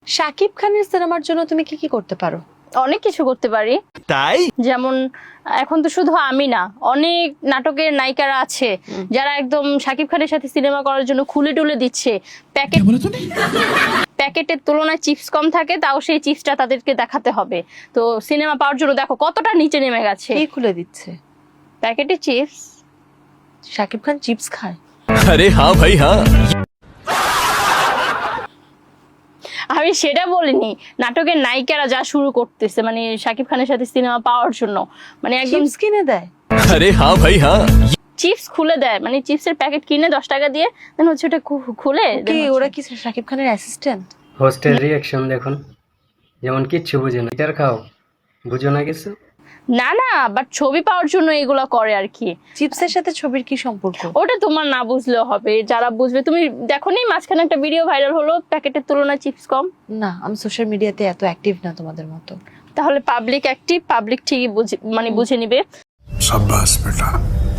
শাকিব খানের সিনেমার জন্য তুমি কি কি করতে পারো? অনেক কিছু করতে পারি। তাই যেমন এখন তো শুধু আমি না, অনেক নাটকের নায়িকারা আছে যারা একদম শাকিব খানের সাথে সিনেমা করার জন্য খুলে টুলে দিচ্ছে। প্যাকেটের তুলনায় চিপস কম থাকে, তাও সেই চিপসটা তাদেরকে দেখাতে হবে। তো সিনেমা পাওয়ার জন্য দেখো কতটা নিচে নেমে গেছে। কে খুলে দিচ্ছে? প্যাকেটে চিপস। শাকিব খান চিপস খায়? अरे हाँ भाई हाँ। আমি সেটা বলিনি, নাটকের নায়িকারা যা শুরু করতেছে মানে শাকিব খানের সাথে সিনেমা পাওয়ার জন্য, মানে একদম চিপস কিনে দেয়? अरे हाँ भाई हाँ। চিপস খুলে দেয়, মানে চিপসের প্যাকেট কিনে 10 টাকা দিয়ে দেন হচ্ছে ওটা খুলে কি ওরা কি শাকিব খানের অ্যাসিস্ট্যান্ট? হোস্টেল রিয়াকশন দেখুন, যেমন কিচ্ছু বুঝে না। এটার খাও, বুঝো না কিছু। না না, বাট ছবি পাওয়ার জন্য এগুলো করে আর কি। চিপসের সাথে ছবির কি সম্পর্ক? ওটা তোমার না বুঝলেও হবে, যারা বুঝবে। তুমি দেখোনি মাঝখানে একটা ভিডিও ভাইরাল হলো, প্যাকেটের তুলনায় চিপস কম? না, আমি সোশ্যাল মিডিয়াতে এত অ্যাক্টিভ না তোমাদের মতো। তাহলে পাবলিক অ্যাক্টিভ, পাবলিক ঠিকই মানে বুঝে নিবে। शाबाश बेटा।